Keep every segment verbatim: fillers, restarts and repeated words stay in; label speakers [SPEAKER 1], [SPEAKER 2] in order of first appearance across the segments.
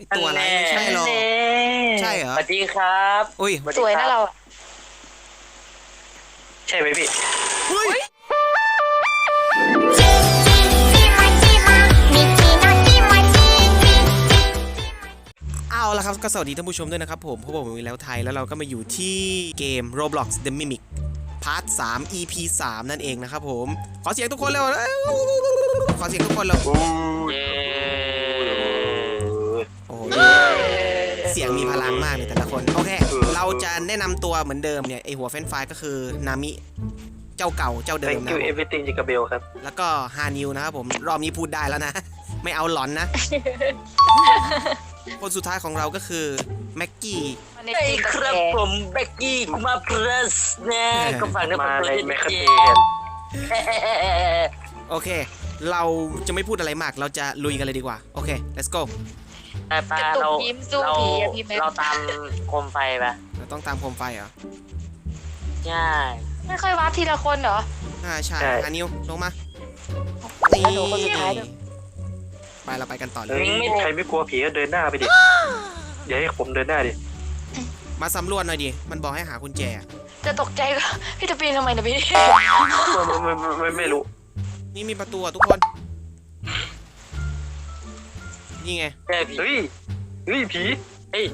[SPEAKER 1] ตัวอะไรไม่ใช่หรอใช่เหรอ
[SPEAKER 2] สวัสดีครับ
[SPEAKER 1] อุ้ย
[SPEAKER 3] สวยนะเรา
[SPEAKER 2] ใช่ไหมพี่
[SPEAKER 1] เฮ้ยเอาละครับก็สวัสดีท่านผู้ชมด้วยนะครับผมพบกับผมอีกแล้วไทยแล้วเราก็มาอยู่ที่เกม Roblox The Mimic พาร์ทสาม อี พี สามนั่นเองนะครับผมขอเสียงทุกคนเลยขอเสียงทุกคนเลยโอ้โหเสียงมีพลังมากเลยแต่ละคนโอเคเราจะแนะนำตัวเหมือนเดิมเนี่ยไอหัวเฟรนช์ฟรายก็คือนามิเจ้าเก่าเจ้าเดิมนะ
[SPEAKER 2] Thank you everything จิกาเบลครับ
[SPEAKER 1] แล้วก็ฮานิวนะครับผมรอบนี้พูดได้แล้วนะไม่เอาหลอนนะ คนสุดท้ายของเราก็คือแม็กกี้
[SPEAKER 2] ใช่ครับผมแบ็กกี้มาเพรสนะก็ฝากน้ำมันมาเลยแมคคาเทียน
[SPEAKER 1] โอเคเราจะไม่พูดอะไรมากเราจะลุยกันเลยดีกว่าโอเค let's go
[SPEAKER 2] แต่ปาเราเราเราตามโคมไฟปะ
[SPEAKER 1] เราต้องตามโคมไฟเหรอ
[SPEAKER 2] ใช่
[SPEAKER 3] ไม่ค่อยวัดทีละคนเหรอ
[SPEAKER 1] อ่าใช่ฮานิวลงมา
[SPEAKER 3] ตี
[SPEAKER 1] ไปเราไปกันต่อเลย
[SPEAKER 2] ใครไม่กลัวผีก็เดินหน้าไปดิเดี๋ยวให้ผมเดินหน้าดิ
[SPEAKER 1] มาสำรวจหน่อยดิมันบอกให้หากุญแจ
[SPEAKER 3] จะตกใจก็พี่จะปีนทำไมนะพี่
[SPEAKER 2] ไม่ไม่ไม่รู้
[SPEAKER 1] นี่มีประตูทุกคนนี่ไง
[SPEAKER 2] เฮ้ยเฮ้ยผีเฮ้ย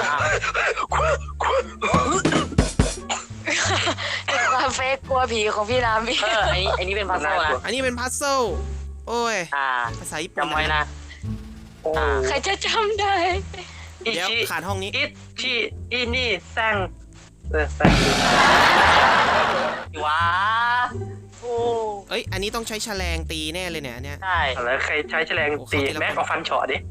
[SPEAKER 3] ความเฟกกลัวผีของพี่น้ำพี่
[SPEAKER 2] เอออันนี้อันนี้เป็นพัซเซิลนะ
[SPEAKER 1] อันนี้เป็นพัซเซิลโอ้ยภาษาญี่ปุ่น
[SPEAKER 2] จำไว้นะ
[SPEAKER 3] ใครจะจำได้
[SPEAKER 1] เดี๋ยวขาดห้องนี้
[SPEAKER 2] อิที่อีนี่แซงเออแซงว้าโอ้
[SPEAKER 1] เอ้ยอันนี้ต้องใช้แฉลงตีแน่เลยเนี่ยเนี่ย
[SPEAKER 2] ใช่แล้วใครใช้แฉลงตีแม็กเอาฟันเฉาะดิ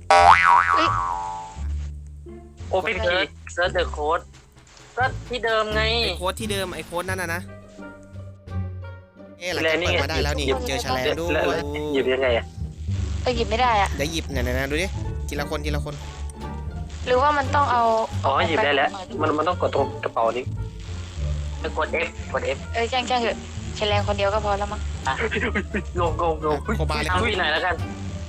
[SPEAKER 2] โอเพนคีย์เซิร์ชเดอะโค้ดก็ที่เดิมไง
[SPEAKER 1] ไอโค้ดที่เดิมไอโค้ดนั่นนะนะเอ๊ะหลังจากเปิดมาได้แล้วนี่เจอแฉลงด้วย
[SPEAKER 2] หยิบยังไงอะ
[SPEAKER 3] แต่หยิบไม่ได้อะ
[SPEAKER 1] เดี๋ยวหยิบเนี่ยนะดูดิทีละคนทีละคน
[SPEAKER 3] หรือว่ามันต้องเอา
[SPEAKER 2] อ๋อหยิบได้แล้วมันมันต้องกดตรงกระเป๋านี้ไปกด F กด F
[SPEAKER 3] เอ้ยแจ้งแจ้งเถอะใช้แรงคนเดียวก็พอแล้วมั้ง
[SPEAKER 2] งงงงง
[SPEAKER 1] โคบาเลย
[SPEAKER 2] ทำที่ไหนแล้วกัน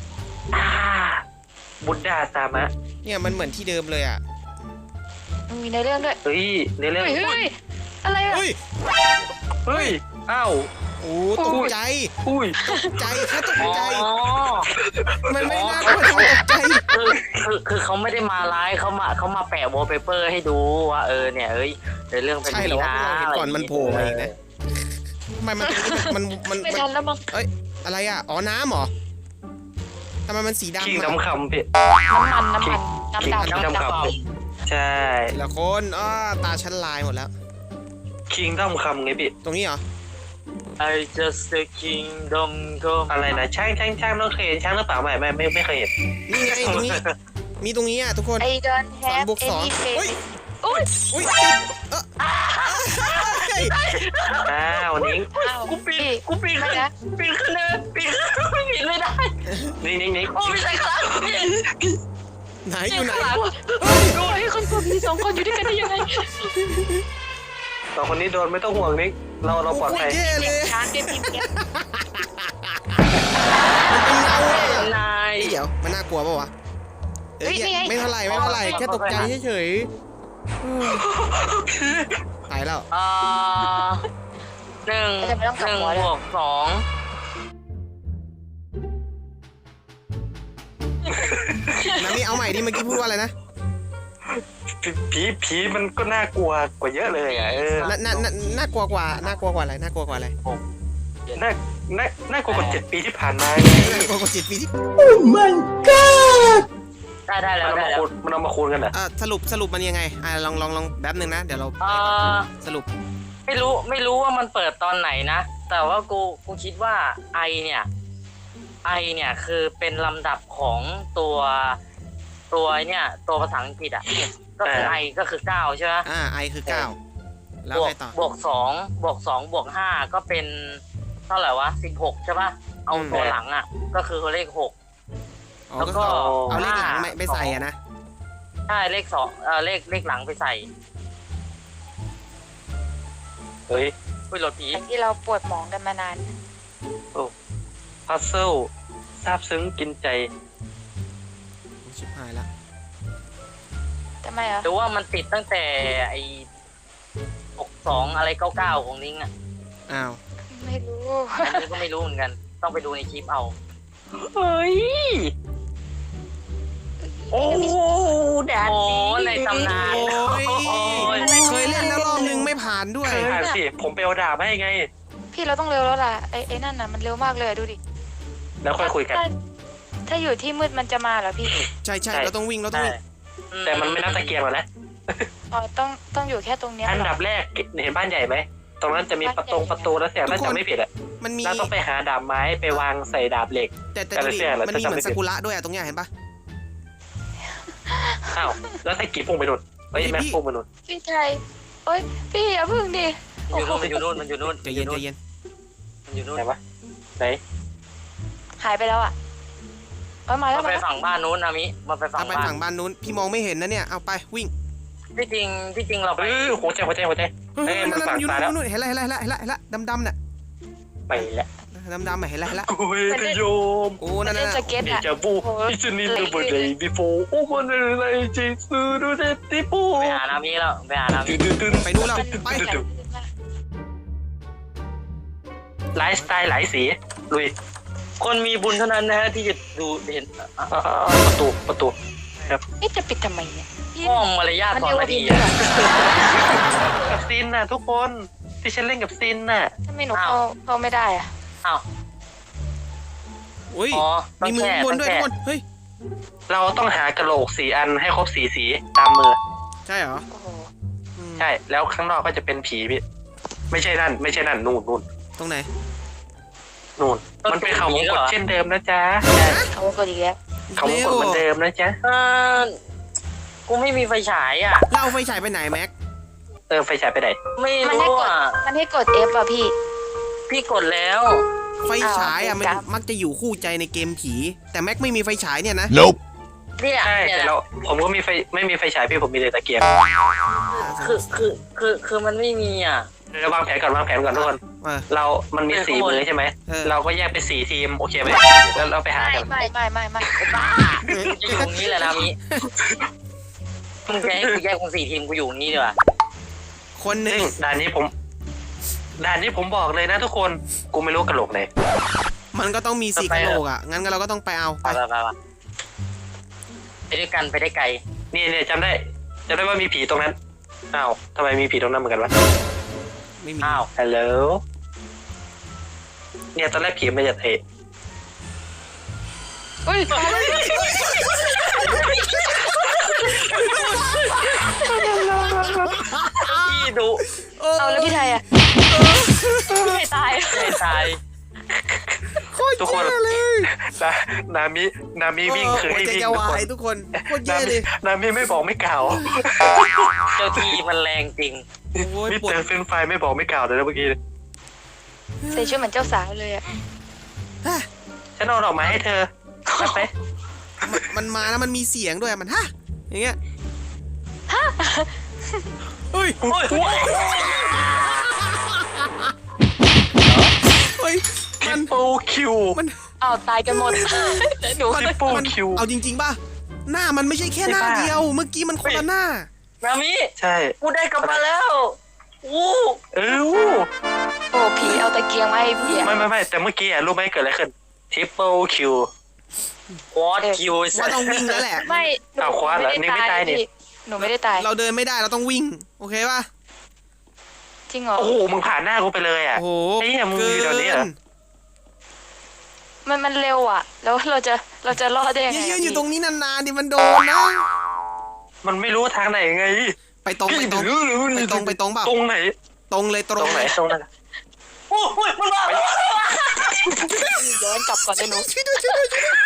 [SPEAKER 2] บุดดาซามะ
[SPEAKER 1] เนี่ยมันเหมือนที่เดิมเลยอ่ะ
[SPEAKER 3] มันมีในเรื่องด้วย
[SPEAKER 2] เฮ้ยในเรื่อง
[SPEAKER 3] เฮ้ยอะไรอะ
[SPEAKER 1] เฮ้ย
[SPEAKER 2] เฮ้ยอ้าว
[SPEAKER 1] โอ้ตกใจ
[SPEAKER 2] อุ้ย
[SPEAKER 1] ตกใจแค่ตกใจมันไม่น่ากลัวตกใจ
[SPEAKER 2] คือคือคือเขาไม่ได้มาไลฟ์เขามาเขามาแปะวอลเปเปอร์ให้ดูว่าเออเนี่ยเอ้ยในเรื่องเป็น
[SPEAKER 1] ใช่เหรอว่าเราเห็นก่อนมันโผล่มาอีกนะทำไมมันมันมัน
[SPEAKER 3] ไม่ทันแล้วมั้ง
[SPEAKER 1] เอ้ยอะไรอ่ะอ๋อน้ำเหรอทำไมมันสีดำ
[SPEAKER 2] คิงน้ำคำพี่
[SPEAKER 3] น้ำมันน้ำมันน้ำดำ
[SPEAKER 2] น้ำคำใช่
[SPEAKER 1] ละคนอ้าตาชั้นลายหมดแล้ว
[SPEAKER 2] คิงน้ำคำไงพี่
[SPEAKER 1] ตรงนี้เหรอ
[SPEAKER 2] I just the kingdom come อะไรนะช่างช่างช่างต้องเคยเห็นช่างหรือเปล่าไม่ไม่ไม่ไม่เคยเห็น
[SPEAKER 1] นี่ไงตรงนี้มีตรงนี้อ่ะทุกคน
[SPEAKER 3] สอง
[SPEAKER 1] บวกสองอุ้ยอุ้ยอุ้ยเออ
[SPEAKER 2] อ้าวนิ้งกูปีนกูปีนขึ้นปีนขึ้นเลยปีนปีนไม่ได้นิ้งนิ้งนิ้งโอ้ไม่ใช่ครับ
[SPEAKER 1] ไหนอยู่ไหน
[SPEAKER 3] ดูให้คนกลัวผีสองคนอยู่ด้วยกันได้ยังไง
[SPEAKER 2] สองคนนี้โดนไม่ต้องห่วงนิ้งเราเราปลอดภัย
[SPEAKER 3] ช้างเป็นพิมพ์เนี่ย
[SPEAKER 1] มันเป็นเงาเลย
[SPEAKER 2] นาย
[SPEAKER 1] เดี๋ยวมันน่ากลัวป่าวะเอ้ยไม่เท่าไหร่ไม่เท่าไหร่แค่ตกใจเฉยๆหายแล้ว
[SPEAKER 2] อ่าหนึ่งหนึ่งบวกสอง
[SPEAKER 1] น้ำนี่เอาใหม่ดิเมื่อกี้พูดว่าอะไรนะ
[SPEAKER 2] ผีผีมันก็น่ากลัวกว่าเยอะเลยอ่ะเออ
[SPEAKER 1] น่าน่าน่ากลัวกว่าน่ากลัวกว่าอะไรน่ากลัวกว่าอะไร
[SPEAKER 2] น่าน่าน่ากลัวกว่าเจ็ดปีที่ผ่านมา
[SPEAKER 1] น่ากลัวกว่าเจ็ดปีที่โอ้
[SPEAKER 2] my god ได้ได้แล้วได้แล้วมันเอามาคูณกันเหรอ
[SPEAKER 1] อ่าสรุปสรุปมันยังไงอ่าลองลองลองแป๊บนึงนะเดี๋ยวเราสรุป
[SPEAKER 2] ไม่รู้ไม่รู้ว่ามันเปิดตอนไหนนะแต่ว่ากูกูคิดว่าไอเนี่ยไอเนี่ยคือเป็นลำดับของตัวตัวเนี่ยตัวภาษาอังกฤษอ่ะก็คือไอก็คือเก้าใช่ไหม
[SPEAKER 1] อ่าไอคือเก้าแล้วไงต่อบ
[SPEAKER 2] วกสองบวกสองบวกห้าก็เป็นเท่าไหร่วะสิบหกใช่ป่ะเอาตัวหลังอ่ะก็คือเลขหก
[SPEAKER 1] แล้วก็เอาเลขหลังไม่ไม่ใส่อ่ะนะ
[SPEAKER 2] ใช่เลขสองเออเลขเลขหลังไปใส่เฮ้ยคุยรถผี
[SPEAKER 3] ที่เราปวดหมองกันมานาน
[SPEAKER 2] โอ้พัซเซิลซาบซึ้งกินใจ
[SPEAKER 1] ชิบหายละ
[SPEAKER 3] ทำไมอ่ะ
[SPEAKER 2] หรือว่ามันติดตั้งแต่ไอ้หกสองอะไรเก้าเก้าของนิ้งอ่ะ
[SPEAKER 1] อ้าว
[SPEAKER 3] ไม่รู้
[SPEAKER 2] อันนี้ก็ไม่รู้เหมือนกัน ต้องไปดูในคลิปเอา
[SPEAKER 4] เฮ้ยโอ้แดด
[SPEAKER 2] โอ้
[SPEAKER 4] ดี
[SPEAKER 2] ในตำนาน
[SPEAKER 1] โอ้ยเคยเล่นแล้วรอบนึงไม่ผ่านด้วย
[SPEAKER 4] เคยผ่านสิผมไปเอาดาบให้ไง
[SPEAKER 3] พี่เราต้องเร็วแล้วล่ะไอ้ไอ้นั่นน่ะมันเร็วมากเลยอะดูดิ
[SPEAKER 4] แล้วค่อยคุยกัน
[SPEAKER 3] ถ้าถ้าอยู่ที่มืดมันจะมาเหรอพี่
[SPEAKER 1] ใช่ใช่
[SPEAKER 4] ใช่
[SPEAKER 1] เราต้องวิ่งเราต้อง
[SPEAKER 2] ใช่
[SPEAKER 1] วิ่ง
[SPEAKER 2] อื
[SPEAKER 4] แต่มันไม่นับตะเกียงหรอกนะ
[SPEAKER 3] อ๋อต้องต้องอยู่แค่ตรงเนี้ย
[SPEAKER 4] อัน
[SPEAKER 3] เหร
[SPEAKER 4] ดั
[SPEAKER 3] อบ
[SPEAKER 4] แรกเห็นบ้านใหญ่ไหมตรงนั้นจะมีประตูประตูแล้วเสียงน่าจะไม่ผิดอะ
[SPEAKER 1] มันมี
[SPEAKER 4] เราต้องไปหาดาบไม้ไปวางใส่ดาบเหล็ก
[SPEAKER 1] แต่แต่
[SPEAKER 4] แต่
[SPEAKER 1] ดู
[SPEAKER 4] ละ
[SPEAKER 1] ดิ
[SPEAKER 4] เสื้อเรา
[SPEAKER 1] มัน
[SPEAKER 4] จะ
[SPEAKER 1] มีเหมือน
[SPEAKER 4] จำไม่ผิด
[SPEAKER 1] ซากุระด้วยอะตรงเนี้ยเห็นปะ
[SPEAKER 4] อ้าวแล้วตะกี้พุ่งไปนู่นเฮ้ย
[SPEAKER 1] พี่
[SPEAKER 4] แม็กพุ่งไปนู่น
[SPEAKER 3] พี่ไทยโอ้ยพี่อย่าพึ่งดิ
[SPEAKER 2] มันอยู่นู่นมันอยู่นู่นมันอยู่นู่น
[SPEAKER 1] ใจเย็นใจเย็น
[SPEAKER 2] มันอยู่นู่น
[SPEAKER 4] ไหนวะไหน
[SPEAKER 3] หายไปแล้วอ่ะเอ้ยมาแล้ว
[SPEAKER 2] มัน
[SPEAKER 3] มา
[SPEAKER 2] ไป
[SPEAKER 3] แล้ว
[SPEAKER 2] ฝั่งบ้านนู้นนะมิมันไปฝั่
[SPEAKER 1] เอา
[SPEAKER 2] ง
[SPEAKER 1] ไป
[SPEAKER 2] บ้าน
[SPEAKER 1] ฝั่งบ้านนู้นพี่มองไม่เห็นนะเนี่ยเอาไปวิ่ง
[SPEAKER 2] ที่จริงที่จริงเราไป
[SPEAKER 4] เออหัวใจหัวใจหัวใจ
[SPEAKER 1] เฮ้ย
[SPEAKER 4] เอ้ย
[SPEAKER 1] นั่
[SPEAKER 4] มัน
[SPEAKER 1] น
[SPEAKER 4] ฝั่ง
[SPEAKER 1] ๆอยู่
[SPEAKER 4] ซ้ายแล้ว
[SPEAKER 1] นู่นๆเห็นแล้วเห็นแล้วเห็นแล้วเห็นแล้วเห็นแล้วดำๆน่ะ
[SPEAKER 4] ไปแล้ว
[SPEAKER 1] ดำๆอ่ะเห็นแล้วเห็นแล้ว
[SPEAKER 4] โอ้ยพยม
[SPEAKER 1] โอ้นั่น
[SPEAKER 3] เล่น
[SPEAKER 1] น่ะ
[SPEAKER 3] สเก็ต
[SPEAKER 4] เด
[SPEAKER 3] อ่ะ
[SPEAKER 4] จาวูอิสนินเดอร์เบอร์เดย์บิโฟโอ้มันอะไรจีซูดูเดติปู
[SPEAKER 2] ไปหานามิแล้วไปหานามิ
[SPEAKER 1] ไปนู่นแล้วไป
[SPEAKER 4] ไลฟ์สไตล์หลายสีลุย
[SPEAKER 2] คนมีบุญเท่านั้นนะฮะที่จะดูเห็นอ่ะ
[SPEAKER 4] อ่าประตูประตู
[SPEAKER 3] นี่จะปิดทำไมเนี่ยพี่
[SPEAKER 2] ห้องมารยาท
[SPEAKER 3] มัน
[SPEAKER 2] สอง
[SPEAKER 3] เร็ว
[SPEAKER 2] นาที
[SPEAKER 3] ดี
[SPEAKER 2] อะ
[SPEAKER 3] กว่า
[SPEAKER 4] กับซินน่ะทุกคนที่ฉันเล่นกับซินน่ะ
[SPEAKER 3] ทำไมหนูเข้าเข้าไม่ได้อ่ะ
[SPEAKER 2] อ้าว
[SPEAKER 1] โอ้ย
[SPEAKER 2] อ๋อต้อ
[SPEAKER 1] มี
[SPEAKER 2] ง
[SPEAKER 1] มือ
[SPEAKER 2] แช่
[SPEAKER 1] บน
[SPEAKER 2] ต้อง
[SPEAKER 1] ด้วย
[SPEAKER 2] แช่
[SPEAKER 1] ทุกคนเฮ้ย
[SPEAKER 4] เราต้องหากระโหลกสีอันให้ครบสีสีตามมือ
[SPEAKER 1] ใช่เหรอ
[SPEAKER 3] โอ้โห
[SPEAKER 1] อืม
[SPEAKER 4] ใช่แล้วข้างนอกก็จะเป็นผีพี่ไม่ใช่นั่นไม่ใช่นั่นนู่นนู่น
[SPEAKER 1] ตรงไหน
[SPEAKER 4] นู่นมันเป็นเขาวงกตเช่นเดิมนะจ๊ะใช่
[SPEAKER 3] เขาก็ดีแล้ว
[SPEAKER 4] เขาวงกตเหมือนเดิมนะจ๊ะ
[SPEAKER 2] เออกูไม่มีไฟฉายอ่ะ
[SPEAKER 1] เราเอาไฟฉายไปไหนแม็ก
[SPEAKER 4] เออไฟฉายไปไหน
[SPEAKER 2] ไม่
[SPEAKER 3] มันให้
[SPEAKER 2] รู้
[SPEAKER 3] กด
[SPEAKER 2] อ่ะ
[SPEAKER 3] มันให้กด F อ่ะพี่
[SPEAKER 2] พี่กดแล้ว
[SPEAKER 1] ไฟฉายอ่ะ
[SPEAKER 3] อ้าว
[SPEAKER 1] มัน
[SPEAKER 3] ครับ
[SPEAKER 1] มักจะอยู่คู่ใจในเกมผี แต่แม็กไม่มีไฟฉายเนี่ยนะ
[SPEAKER 5] Nope.
[SPEAKER 2] เนี่ย
[SPEAKER 4] ใช่
[SPEAKER 2] เนี่ย
[SPEAKER 4] แต่เราผมก็มีไฟไม่มีไฟฉายพี่ผมมีแต่ตะเกียง
[SPEAKER 2] คือคือคือคือมันไม่มีอ่ะ
[SPEAKER 4] เราวางแผนก่อนวางแผนก่อนทุกคน
[SPEAKER 1] เออ
[SPEAKER 4] เรา มันมี
[SPEAKER 2] เออ
[SPEAKER 4] สี่
[SPEAKER 2] ข้างบน
[SPEAKER 4] มือใช่ไหม
[SPEAKER 1] เออ
[SPEAKER 4] เราก็แยกเป็นสี่ทีม โอเคไหม แล้วเราไปหา
[SPEAKER 3] ไม่
[SPEAKER 4] กัน
[SPEAKER 3] ไม่ไม่ไม่ไม่
[SPEAKER 2] บ้ากูจะอยู่ตรงนี้แหละนามิมึงจะให้กูแยกเป็นสี่ทีมกูอยู่ตรงนี้ดีกว่า
[SPEAKER 1] คนหนึ่
[SPEAKER 4] ซึ่
[SPEAKER 1] ง
[SPEAKER 4] งด่านนี้ผม ด่านนี้ผมบอกเลยนะทุกคน กูไม่รู้กระโหลกไหน
[SPEAKER 1] มันก็ต้องมีสี่กะโหลกอ่ะ งั้นเราก็ต้องไปเอาไป
[SPEAKER 2] ไปไปไปไปด้วยกันไปได้ไกล
[SPEAKER 4] นี่เนี่ยจำได้จำได้ว่ามีผีตรงนั้น อ้าวทำไมมีผีตรงนั้นเหมือนกันวะ
[SPEAKER 1] ไม่มี
[SPEAKER 2] อ้าว
[SPEAKER 4] ฮัลโหล เนี่ยตอนแรกผีมันจะเตะ
[SPEAKER 3] เฮ้ยมาแล้ว
[SPEAKER 2] พี่ดู
[SPEAKER 3] เอาแล้วพี่ไทยอ่ะไม่ตาย
[SPEAKER 2] ไม่ตาย
[SPEAKER 4] ทุกคน
[SPEAKER 1] เลย
[SPEAKER 4] นานามิ นามิวิ่งคือให้
[SPEAKER 1] หัวใจ
[SPEAKER 4] วิ่ง
[SPEAKER 1] จะ
[SPEAKER 4] ทุก
[SPEAKER 1] วา
[SPEAKER 4] คน
[SPEAKER 1] ยทุกคนโคตร
[SPEAKER 4] นา
[SPEAKER 1] แย่
[SPEAKER 4] มิ
[SPEAKER 1] เลย
[SPEAKER 4] นามิไม่บอกไม่กล่าว
[SPEAKER 2] เจ้าที่มันแรงจริง
[SPEAKER 1] โอ้ย
[SPEAKER 4] นี่
[SPEAKER 1] ปวด
[SPEAKER 4] เจอเฟรนช์ไฟไม่บอกไม่กล่าวเลยนะเมื่อกี้
[SPEAKER 3] ใส่ชุดเหมือนเจ้าสาวเลยอ่ะ
[SPEAKER 4] ฉันเอาดอกไม้ให้เธอรับไป
[SPEAKER 1] มันมันมาแล้วมันมีเสียงด้วยมันฮะอย่างเงี้ยเฮ้ย
[SPEAKER 2] โอ้ย
[SPEAKER 1] เฮ้ย
[SPEAKER 4] ทริ
[SPEAKER 1] มัน
[SPEAKER 4] ปเปิลคิว
[SPEAKER 1] มัน
[SPEAKER 3] เอาตายกันหมดแต่หนู
[SPEAKER 4] ทริปเปิล
[SPEAKER 1] มัน
[SPEAKER 4] คิว
[SPEAKER 1] เอาจริงๆป่ะหน้ามันไม่ใช่แค่หน้า
[SPEAKER 4] ใช่ปะ
[SPEAKER 1] เดียว เมื่อกี้มันคนละหน้า
[SPEAKER 2] นามิ
[SPEAKER 4] ใช่
[SPEAKER 2] กูได้กลับมาแล้วอู้
[SPEAKER 4] เออ
[SPEAKER 3] โอ้ผีเอาตะเกียงมาให้พี่อ่ะ
[SPEAKER 4] ไม่ไม่ไม่แต่เมื่อกี้อะรู้ไหมเกิดอะไรขึ้นทริปเปิลคิว
[SPEAKER 2] วอตคิว
[SPEAKER 1] ว่าต้องวิ่งแล้วแหละ
[SPEAKER 3] ไม่หนู
[SPEAKER 4] เอาคว้าเหรอนี่ไม่ตายนี่
[SPEAKER 3] พี่หนูไม่ได้ตาย
[SPEAKER 1] เราเดินไม่ได้เราต้องวิ่ง โอเคป่ะ
[SPEAKER 3] จริงเหรอ
[SPEAKER 4] โอ้โหมึงผ่านหน้ากูไปเลยอ่ะ
[SPEAKER 1] โอ้โห
[SPEAKER 4] ไอ้เหี้ยมึงอยู่แถวนี้เหรอ
[SPEAKER 3] มันมันเร็วอ่ะ แล้วเราจะเราจะรอดได้ยัง
[SPEAKER 1] อ
[SPEAKER 3] ไง
[SPEAKER 1] ย่ายื
[SPEAKER 3] อะ
[SPEAKER 1] นอยู่
[SPEAKER 3] พี่
[SPEAKER 1] ตรงนี้นานๆดิมันโดนนะ
[SPEAKER 4] มันไม่รู้ทางไหนไง
[SPEAKER 1] ไปตรงไปตรงไปตรงไปตรงเปล่า
[SPEAKER 4] ตรงไหน
[SPEAKER 1] ตรงเลยต
[SPEAKER 4] ต
[SPEAKER 1] ร
[SPEAKER 4] รง งไหนตรงไหน
[SPEAKER 2] โอ้ยมันมา
[SPEAKER 3] ย้อนกลับก่อนเลยหนู
[SPEAKER 1] ช่วยด้วยช่วยด้วยช่วยด้วย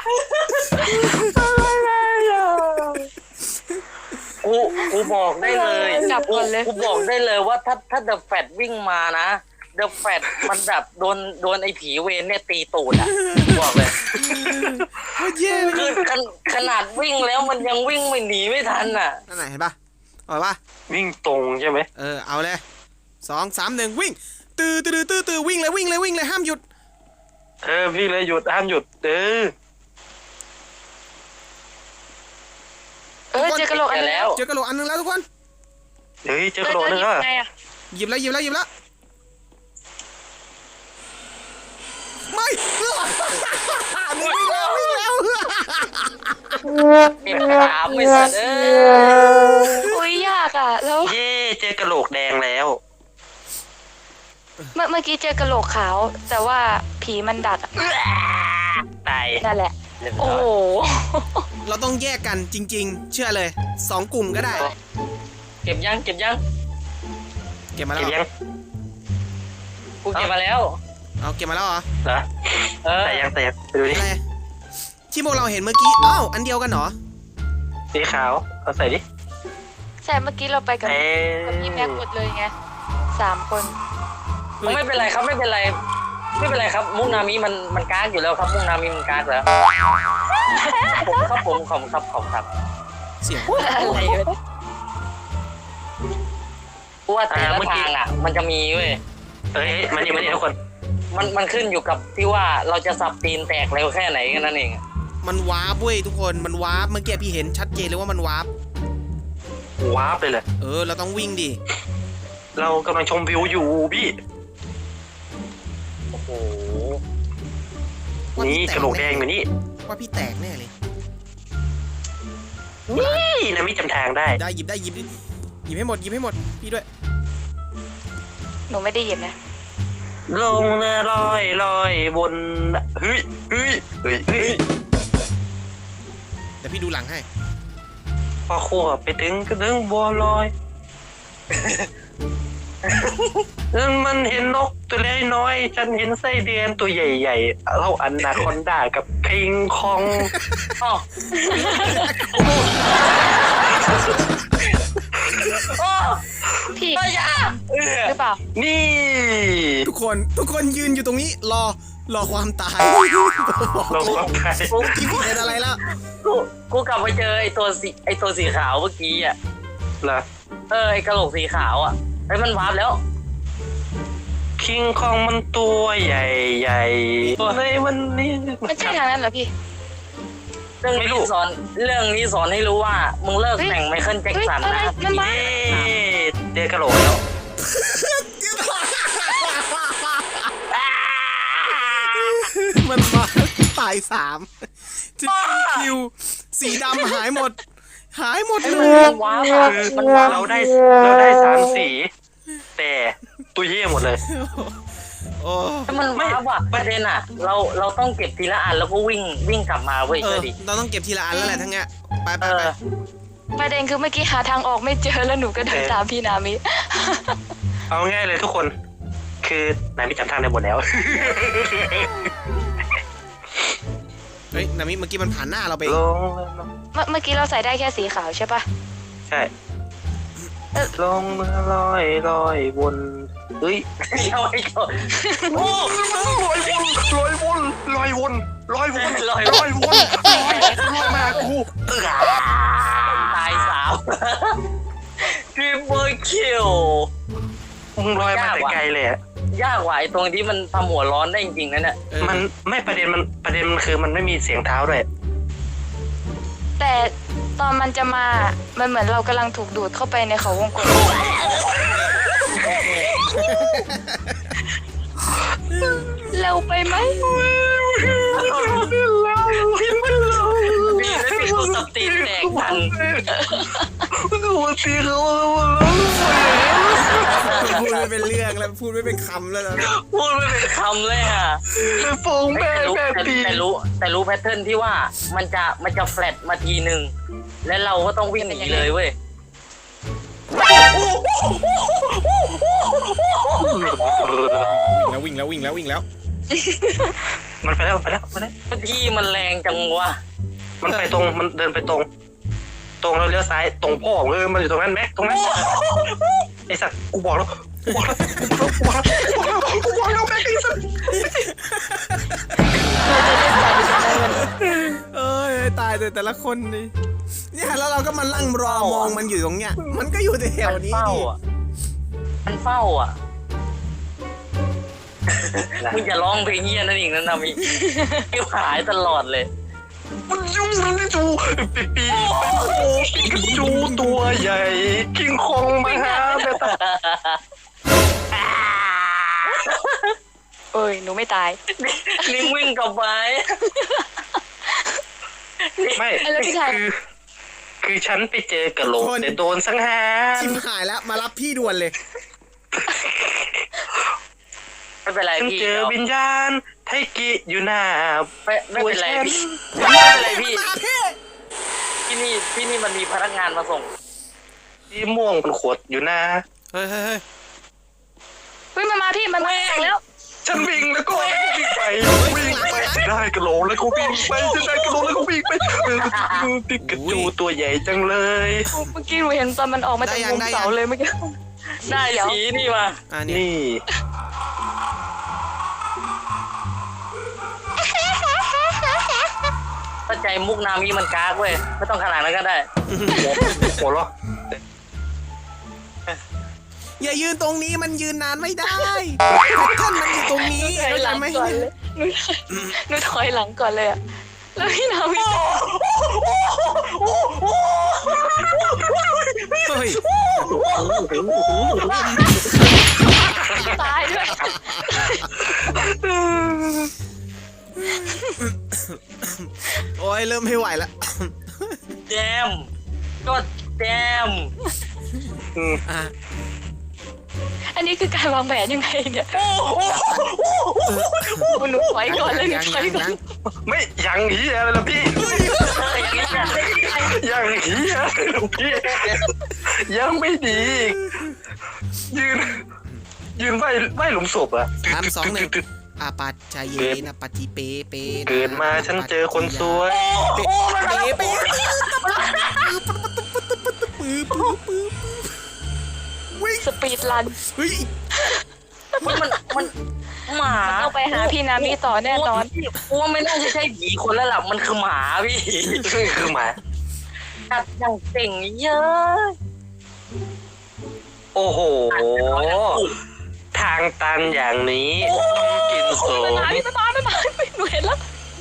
[SPEAKER 2] กูกูบอกได้เลย
[SPEAKER 3] กลับก่อนเลย
[SPEAKER 2] กูบอกได้เลยว่าถ้าถ้าเดอะแฟตวิ่งมานะเดอะแฟตมันแบบโดนโดนไอ้ผีเวนเนี่ยตีตูดอ่ะบอกเลย
[SPEAKER 1] โคตรแย่เลย
[SPEAKER 2] คือขนขนาดวิ่งแล้วมันยังวิ่งไม่หนีไม่ทันอ่ะ
[SPEAKER 1] นั่นไหนเห็นป่ะเอาป่ะ
[SPEAKER 4] วิ่งตรงใช่ไหม
[SPEAKER 1] เออเอาเลยสองสามหนึ่งวิ่งตื้อตื้อตื้อตื้อวิ่งเลยวิ่งเลยวิ่งเลยห้ามหยุด
[SPEAKER 4] เออวิ่งเลยหยุดห้ามหยุดเออ
[SPEAKER 3] เอ้ย
[SPEAKER 1] คน
[SPEAKER 3] เจอกระโหลกอันนึง
[SPEAKER 2] แล้ว
[SPEAKER 1] เจอกระโหลกอันนึงแล้วทุกคน
[SPEAKER 4] เฮ้ยเจอกระโหลกนึงอ่ะ
[SPEAKER 3] ไงอะ
[SPEAKER 1] หยิบแล้วหยิบแล้วหยิบแล้วไม่นี่วิ่งแล้ววิ่งแล้ว
[SPEAKER 2] เก็บสามไม่เสร็จเออ
[SPEAKER 3] อุ้ยยากอ่ะแล้ว
[SPEAKER 4] เย่เจอกระโหลกแดงแล้ว
[SPEAKER 3] เมื่อเมื่อกี้เจอกระโหลกขาว แต่ว่าผีมันดักอะ
[SPEAKER 4] ตาย
[SPEAKER 3] นั่นแหละ
[SPEAKER 4] เรียบ
[SPEAKER 3] โอ้
[SPEAKER 4] ร้อ
[SPEAKER 3] โห
[SPEAKER 4] ย
[SPEAKER 1] เราต้องแยกกันจริง ๆ เชื่อเลยสองกลุ่มก็ได้
[SPEAKER 2] เก็บยังเก็บยัง
[SPEAKER 1] เก็บมาแล้
[SPEAKER 4] เก็
[SPEAKER 1] ว
[SPEAKER 4] บ
[SPEAKER 1] เหร
[SPEAKER 4] ยั
[SPEAKER 1] อง
[SPEAKER 2] กูเก็บมาแล้ว
[SPEAKER 1] เอาเก็บมาแล้วเหรอ
[SPEAKER 4] เหรอ
[SPEAKER 2] เออ
[SPEAKER 4] แต่ยังแต่ยังไปดูดิ
[SPEAKER 1] อะไรที่พวกเราเห็นเมื่อกี้อ้าวอันเดียวกันเหรอ
[SPEAKER 4] สีขาวเอาใส่ดิ
[SPEAKER 3] ใช่เมื่อกี้เราไปกับ
[SPEAKER 4] เอ้
[SPEAKER 3] กับพี่แม็กหมดเลยไงสามคน
[SPEAKER 2] ไม่เป็นไรครับไม่เป็นไร ไม่เป็นไรครับ มุกนามิมันมันกากอยู่แล้วครับ มุกนามิมันกากแล้วผมครับผมขอบคุณครับขอบคุณครับ
[SPEAKER 1] เสียง
[SPEAKER 3] อะไรวะ
[SPEAKER 2] เพราะว่าแต่ละทางอ่ะ มันจะมีเว้ย
[SPEAKER 4] เอ้ยมานี่มานี่ทุกคน
[SPEAKER 2] มันมันขึ้นอยู่กับที่ว่าเราจะสับตีนแตกเร็วแค่ไหนแค่นั้นเอง
[SPEAKER 1] มันวาร์ปเว้ยทุกคนมันวาร์ปเมื่อกี้พี่เห็นชัดเจนเลยว่ามันวาร์ป
[SPEAKER 4] ว้าบเลยเลย
[SPEAKER 1] เออเราต้องวิ่งดิ
[SPEAKER 4] เรากำลังชมวิวอยู่พี่
[SPEAKER 2] โอ้โห
[SPEAKER 1] ว่า
[SPEAKER 4] นี่
[SPEAKER 1] พี่แต
[SPEAKER 4] กระโหลกแดงอยู่นี่
[SPEAKER 1] ว่าพี่แตกแน่เลย
[SPEAKER 4] นี่นะมิจำทางได้
[SPEAKER 1] ได้หยิบได้หยิบดิหยิบให้หมดหยิบให้หมดพี่ด้วย
[SPEAKER 3] หนูไม่ได้ยินนะ
[SPEAKER 4] ลงเรือลอยลอยบนเฮ้ยเฮ้ยเฮ้ยเฮ้ย
[SPEAKER 1] เดี๋ยวพี่ดูหลังให้
[SPEAKER 4] พอขั้วไปถึงก็ถึงบัวลอยนั่นมันเห็นนกตัวเล็กน้อยฉันเห็นไส้เดือนตัวใหญ่ๆเท่าอันนาคอนดากับคิงคอง
[SPEAKER 2] อ๋อโอ้
[SPEAKER 3] พี่
[SPEAKER 2] ตายาเออ
[SPEAKER 3] หรือเปล่า
[SPEAKER 4] นี่
[SPEAKER 1] ทุกคนทุกคนยืนอยู่ตรงนี้รอรอความตาย
[SPEAKER 4] ลงกับใคร
[SPEAKER 2] กู
[SPEAKER 1] พี่เห็นอะไรแล้ว
[SPEAKER 2] กูกูกลับไปเจอไอ้ตัวสีไอ้ตัวสีขาวเมื่อกี้อ่ะ
[SPEAKER 4] เหรอ
[SPEAKER 2] เออไอ้กระโหลกสีขาวอ่ะไอ้ยมันวาร์ปแล้ว
[SPEAKER 4] คิงคองมันตัวใหญ่ใหญ่ในวันนี้
[SPEAKER 3] มันใช่ทางนั้นเหรอพี่
[SPEAKER 2] เรื่อง
[SPEAKER 4] ไม่รู้
[SPEAKER 2] นี้สอนเรื่องนี้สอนให้รู้ว่ามึงเลิก
[SPEAKER 3] เฮ้ย
[SPEAKER 2] แต่งไมเคิลแจ็คสัน
[SPEAKER 3] เฮ้ยอะไร
[SPEAKER 2] นะ
[SPEAKER 3] มันมา
[SPEAKER 4] เย้เจอกระโหลกแล้ว
[SPEAKER 1] มันมาตายสามที่คิวสีดำหายหมด หายหมด
[SPEAKER 2] ไอ้
[SPEAKER 1] เล
[SPEAKER 2] มัน
[SPEAKER 1] ย
[SPEAKER 2] มันว้าวอะ
[SPEAKER 4] คือ
[SPEAKER 2] มันว้าว
[SPEAKER 4] เราได้เราได้สามสี แต่ตัวเย่หมดเลย
[SPEAKER 1] โอ้
[SPEAKER 2] ไอ้มันว้าวอ่ะประเด็นอ่ะ เราเราต้องเก็บทีละอันแล้วก็วิ่งวิ่งกลับมาเว้ย
[SPEAKER 1] เอ
[SPEAKER 2] เชื่
[SPEAKER 1] อ
[SPEAKER 2] อดิ
[SPEAKER 1] เราต้องเก็บทีละอันแล้วแหละทั้งเนี้ยไปไป
[SPEAKER 2] เอ
[SPEAKER 1] ไป
[SPEAKER 2] อ
[SPEAKER 3] ประเด็นคือเมื่อกี้หาทางออกไม่เจอแล้วหนูก็เดินตามพี่นามิ
[SPEAKER 4] เอาง่ายเลยทุกคน คือนายไม่จำทางได้หมดแล้ว
[SPEAKER 1] เฮ้ยนามิเมื่อกี้มันผ่านหน้าเราไป
[SPEAKER 4] ลง
[SPEAKER 3] เมื่อเมื่อกี้เราใส่ได้แค่สีขาวใช่ปะ
[SPEAKER 4] ใช่ลงเรือลอยลอยบนเฮ้ย
[SPEAKER 2] เอาไอ้ก่อน
[SPEAKER 4] โอ้ลอยวนลอยวนลอยวนลอยวน
[SPEAKER 2] ลอย
[SPEAKER 4] ลอยวนลอยลอยมากูเออ
[SPEAKER 2] ตายสามทริปเปอร์คิว
[SPEAKER 4] มึงลอยมาแต่ไกลเลยอะ
[SPEAKER 2] ยากกว่าไอ้ตรงที่มันทำหัวร้อนได้จริงๆนะเนี่ย
[SPEAKER 1] เออ
[SPEAKER 4] มันไม่ประเด็นมันประเด็นมันคือมันไม่มีเสียงเท้าด้วย
[SPEAKER 3] แต่ตอนมันจะมา มันเหมือนเรากำลังถูกดูดเข้าไปในเขาวงกลมเร็วไปไหม
[SPEAKER 2] พี่แล้วพี่กูสับตีนแตกทัน
[SPEAKER 4] หัวตีเขา
[SPEAKER 1] พูดไม่เป็นเรื่องแล้วพูดไม่เป็นคำแล้วนะ
[SPEAKER 2] พูดไม่เป็นคำเลยอ่ะ
[SPEAKER 4] เป็นฟง
[SPEAKER 2] แต่
[SPEAKER 4] แม่
[SPEAKER 2] รู้
[SPEAKER 4] แม่
[SPEAKER 2] แต่
[SPEAKER 4] ตี
[SPEAKER 2] แต่รู้แต่รู้แพทเทิร์นที่ว่ามันจะมันจะแฟลตมาทีหนึ่งแล้วเราก็ต้องวิ่งหนีเลยเว้ย
[SPEAKER 1] แล้ววิ่งแล้ววิ่งแล้ววิ่งแล้ว
[SPEAKER 4] มันไปแล้วไปแล้วไปแล้ว
[SPEAKER 2] ที่มันแรงจังวะ
[SPEAKER 4] มันไปตรงมันเดินไปตรง ตรงแล้วเลี้ยวซ้ายตรงพ่อเออมันอยู่ตรงนั้นแม็กตรงนั้นไอ้สัตว์กูบอกแล้วกูบอกแล้วกูบอกแล้วกูบอกแล้วกูบอกแล้วแม็กไอ้สัตว์
[SPEAKER 1] เอ้ยตายแต่แต่ละคนนี่เนี่ยแล้วเราก็มาลั่งรอมองมันอยู่ตรงเนี้ย มันก็อยู่แถว
[SPEAKER 2] มัน
[SPEAKER 1] นี้
[SPEAKER 2] เฝ้า
[SPEAKER 1] ดิ
[SPEAKER 2] อ่ะมันเฝ้าอ่ะมึงอย่าร้องเพลงเฮียนั่นเองนะนามิเกี่ยวหายตลอดเลย
[SPEAKER 4] มันยุ่งมันนี่จูปีปีปิกาจูตัวใหญ่คิงคองมาหาแม่ตา
[SPEAKER 3] เอ้ยหนูไม่ตาย
[SPEAKER 2] ลิงวิ่งกลับไป
[SPEAKER 4] ไม่
[SPEAKER 3] แล้วพี่ชาย
[SPEAKER 4] คือคือฉันไปเจอกระโหลกแต่โดนสังหาร
[SPEAKER 1] ชิมหายแล้วมารับพี่ด่วนเลย
[SPEAKER 2] ไม่เป็นไร
[SPEAKER 4] ฉัน
[SPEAKER 2] พี่
[SPEAKER 4] เจอวิญญาณไทกิอยู่หน้า
[SPEAKER 2] ไม่ไม่เป็นไร
[SPEAKER 4] ตัวฉัน
[SPEAKER 2] พี่ไม่เป็นไรพี่
[SPEAKER 1] มาพี่
[SPEAKER 2] ที่นี่ที่นี่มันมีพนักงานมาส่ง
[SPEAKER 4] ที่ม่วงเป็นขวดอยู่หน้า
[SPEAKER 1] เฮ้ยเฮ้ยเฮ้ย
[SPEAKER 3] เฮ้ยมันมาพี่มันมาแล้ว
[SPEAKER 4] ฉันวิ่งแล้วก็วิ่งไปวิ่งไปได้กระโหลกแล้วก็วิ่งไปจะได้กระโหลกแล้วก็วิ่งไปเออปิกาจูตัวใหญ่จังเลย
[SPEAKER 3] เมื่อกี้หนูเห็นตอนมันออกมาจากมุมเสาเลยเมื่อกี้
[SPEAKER 2] ได้สีนี่มา
[SPEAKER 1] อ่านี่
[SPEAKER 4] นี่
[SPEAKER 2] เข้าใจมุกนามีมันกากเว้ยไม่ต้องขนาดนั้นก็ได้
[SPEAKER 4] หัวเราะ
[SPEAKER 1] อย่ายืนตรงนี้มันยืนนานไม่ได้ท่านมันอยู่ตรงนี้
[SPEAKER 3] ถอย
[SPEAKER 1] เข้า
[SPEAKER 3] ห
[SPEAKER 1] ใจ
[SPEAKER 3] ลัง
[SPEAKER 1] ไหม
[SPEAKER 3] ก่อนเลยหนูหนูถอยหลังก่อนเลยอะแล้วพี่นาวิ
[SPEAKER 1] เฮ้ย
[SPEAKER 3] ตายด้วย
[SPEAKER 1] โอ้ยเริ่มไม่ไหวแล้ว
[SPEAKER 2] แจมก็แจม
[SPEAKER 4] อืม
[SPEAKER 1] อ่ะ
[SPEAKER 3] อันนี้คือการวางแผนยังไงเนี่ยหนูถอยก่อนเลยหนู
[SPEAKER 1] ยัง
[SPEAKER 3] ถอย
[SPEAKER 1] ยัง
[SPEAKER 3] ก่อน
[SPEAKER 1] ยัง
[SPEAKER 4] ไม่ยังเฮียอะไรล่ะพี่
[SPEAKER 2] อย่างนี้นะ
[SPEAKER 4] ยังเฮียอะไรล่ะพี่ยังไม่ดีอีกยืนยืนไหวไหวหลุมศพอะ
[SPEAKER 1] สามสองหนึ่งอาปัจจเยนะปฏิเปเป
[SPEAKER 4] เกิดมาฉันเจอคนสวย
[SPEAKER 1] เปเปเปปื้อปื้อปื้อวิ่ง
[SPEAKER 3] สปีดรัน
[SPEAKER 1] เฮ้ย
[SPEAKER 2] มันมันมันหมา
[SPEAKER 3] ต้องไปหาพี่นามิต่อแน่นอน
[SPEAKER 2] กูว่าไม่น่าจะใช่ผีคนแล้วล่ะมันคือหมาพี่
[SPEAKER 4] คือหมา
[SPEAKER 2] กัดอย่างเก่งเยอะ
[SPEAKER 4] โอ้โห ทางตันอย่างนี้ต้องกินโส
[SPEAKER 3] ไม่
[SPEAKER 4] ม
[SPEAKER 3] มาพี่ไม่มาไม่มาหนูเห็นแล้ว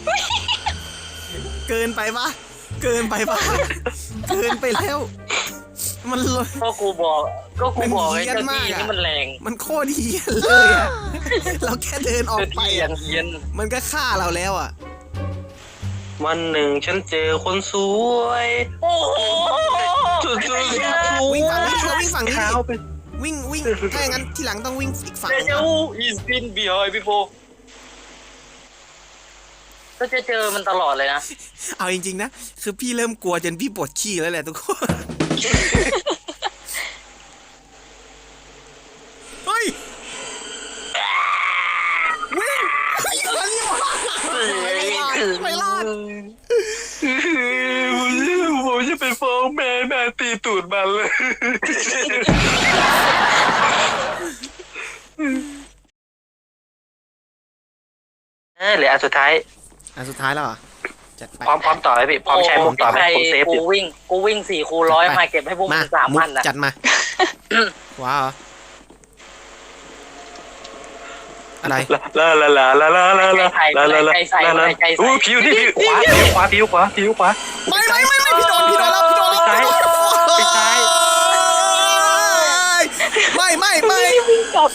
[SPEAKER 1] เกินไปปะเกินไปปะเกินไปแล้ว มันเลย
[SPEAKER 2] ก็กูบอกก็กูบอก
[SPEAKER 1] มัน
[SPEAKER 2] ไอ้
[SPEAKER 1] เหี้ยน
[SPEAKER 2] เจ้า
[SPEAKER 1] มา
[SPEAKER 2] ที่
[SPEAKER 1] กอะ
[SPEAKER 2] นี่มันแรง
[SPEAKER 1] มันโคตรเฮี้ยนเลยอะเราแค่เดินออก
[SPEAKER 2] เจ้า
[SPEAKER 1] ไป
[SPEAKER 2] ที่ยั
[SPEAKER 1] อะ
[SPEAKER 2] งเย็น
[SPEAKER 1] มันก็ฆ่าเราแล้วอะ
[SPEAKER 4] วันหนึ่งฉันเจอคนสวย
[SPEAKER 2] โอ้โห
[SPEAKER 4] จุดจุด
[SPEAKER 1] วิ่งฝั่งนี้เราวิ่งฝั่งนี้
[SPEAKER 4] เท้า
[SPEAKER 1] ดิ
[SPEAKER 4] ไป
[SPEAKER 1] วิ่งวิ่งถ้าอย่างนั้นทีหลังต้องวิ่งอีกฝั่ง
[SPEAKER 2] เจ
[SPEAKER 1] หนึ่ง
[SPEAKER 2] เจ
[SPEAKER 1] นะ
[SPEAKER 2] อู is been behind before ก็จะเจอมันตลอดเลยนะ
[SPEAKER 1] เอาจริงๆนะ คือพี่เริ่มกลัวจนพี่ปวดขี้แล้วแหละทุกคน เฮ้ย วิ่งไม่รอดไม่รอด
[SPEAKER 4] ผมจะไปฟ้องแม่แม่ตีตูดมันเลยเออเหลืออันสุดท้าย
[SPEAKER 1] อันสุดท้ายแล้วเหรอ จัดไป
[SPEAKER 4] พร้อมพร้อมต่อไหมพี่พร้อมใช้มุกต่อไหมผมเซฟอ
[SPEAKER 2] กู
[SPEAKER 4] ยู่
[SPEAKER 2] วิ่งกูวิ่งสี่คูร้อยมาเก็บให้พวกมึ
[SPEAKER 1] มาง
[SPEAKER 2] สาม
[SPEAKER 1] มุ
[SPEAKER 2] พั
[SPEAKER 1] ก
[SPEAKER 2] นนะ
[SPEAKER 1] จัดมา ว้าว อะไร
[SPEAKER 4] ลาลาลาลาลาลาลาลาลาลาลาลาอู้ผิวนี่ผิวขวาผิวขวาผิวขวาผิวขวา
[SPEAKER 1] ไม่ไม่ไม่ไม่พี่โดนพี่โดนแล้วพี่โดนแล้ว
[SPEAKER 4] ซ้ายไปซ้าย
[SPEAKER 1] ไม่ไม่ไม่
[SPEAKER 3] วิ่งกลับ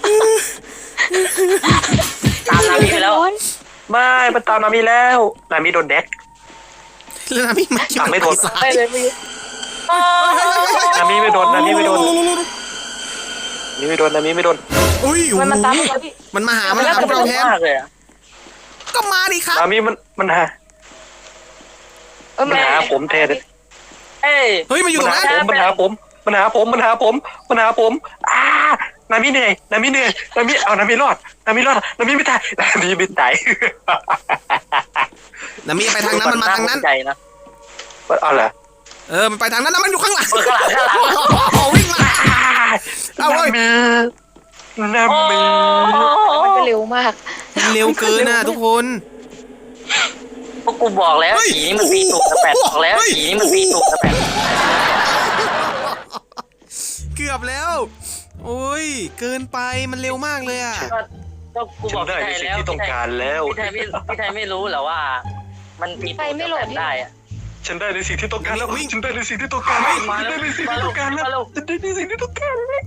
[SPEAKER 2] ตามนามิไปแล้ว
[SPEAKER 4] ไม่มันตามนามิแล้วนามิโดนแดก
[SPEAKER 1] แล้วนะพี่มัน
[SPEAKER 4] ตามไม่โดน
[SPEAKER 1] ซ้า
[SPEAKER 3] ไป
[SPEAKER 1] ย
[SPEAKER 3] เลยพี่
[SPEAKER 4] นามิไม่โดนนามิไม่โดนนามิไม่โดนนามิไม่โดน
[SPEAKER 1] อุ้ย
[SPEAKER 3] มันมาตามแล้วพี่
[SPEAKER 1] มันมาหามันหาพวกเราแทน
[SPEAKER 2] มากเลยอะ
[SPEAKER 1] ก็มาดิครับ
[SPEAKER 4] นามิมันมันหา
[SPEAKER 3] เออ
[SPEAKER 4] มันหาผมแทน
[SPEAKER 2] เอ้ย
[SPEAKER 1] เฮ้ยมันอยู่ตรงนั้น
[SPEAKER 4] มันหาผมมันหาผมมันหาผมมันหาผมอ่านามิเหนื่อยนามิเหนื่อยนามิเอานามิรอดนามิรอดนามิไม่ตายนามิไม่ตาย
[SPEAKER 1] นะมีไปทางนั้นมันมาทางนั้น
[SPEAKER 2] ใจนะ
[SPEAKER 4] เอาเหรอ
[SPEAKER 1] เออมันไปทางนั้นแล้วมันอยู่ข้างหลัง
[SPEAKER 2] เออข้างหลังข้างหลัง
[SPEAKER 1] โอ้วิ่งมาเอาเว้ย
[SPEAKER 4] นามิ
[SPEAKER 3] มันก็เร็วมาก
[SPEAKER 1] เร็วเกินน่ะทุกคน
[SPEAKER 2] พวกกูบอกแล้ว
[SPEAKER 1] เฮ้ย
[SPEAKER 2] ผีนี่มันปีตุกกระแปดบอกแล้ว
[SPEAKER 1] เฮ้ย
[SPEAKER 2] ผีนี่มันปีตุกกระแปด
[SPEAKER 1] เกือบแล้ว โอ้ยเกินไปมันเร็วมากเลยอ่ะ
[SPEAKER 2] ก็ก็กูบ
[SPEAKER 4] ฉั
[SPEAKER 2] อน ก
[SPEAKER 4] ได้
[SPEAKER 2] พี่ไท
[SPEAKER 4] ใน
[SPEAKER 2] ย
[SPEAKER 4] สิ่ง
[SPEAKER 2] แล้ว
[SPEAKER 4] ที่ต้องการแล้ว
[SPEAKER 2] พี่ไทยไม่พี่ไทยไม่รู้เหรอว่า มันปีตุกกระแปดได้อะ
[SPEAKER 4] ฉันได้ในสิ่งที่ต้องการแล้วฉันได้ในสิ่งที่ต้องการแล้ว
[SPEAKER 2] มา
[SPEAKER 4] ฉัน
[SPEAKER 2] แล้ว
[SPEAKER 4] ได้ในสิ่ง
[SPEAKER 2] มา
[SPEAKER 4] ที่
[SPEAKER 2] แล้
[SPEAKER 4] ต้
[SPEAKER 2] ว
[SPEAKER 4] องการ
[SPEAKER 2] มา
[SPEAKER 4] แล้ว
[SPEAKER 2] แล้ว
[SPEAKER 4] ฉันได้ในสิ่งที่ต้องการแล้ว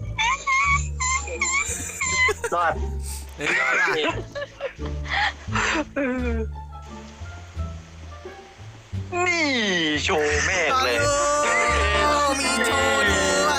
[SPEAKER 4] รอด
[SPEAKER 1] เฮ้ยรอดว่ะ
[SPEAKER 4] นี่โชว์แม่งเลย
[SPEAKER 1] โอ้มีโชว์ด้วย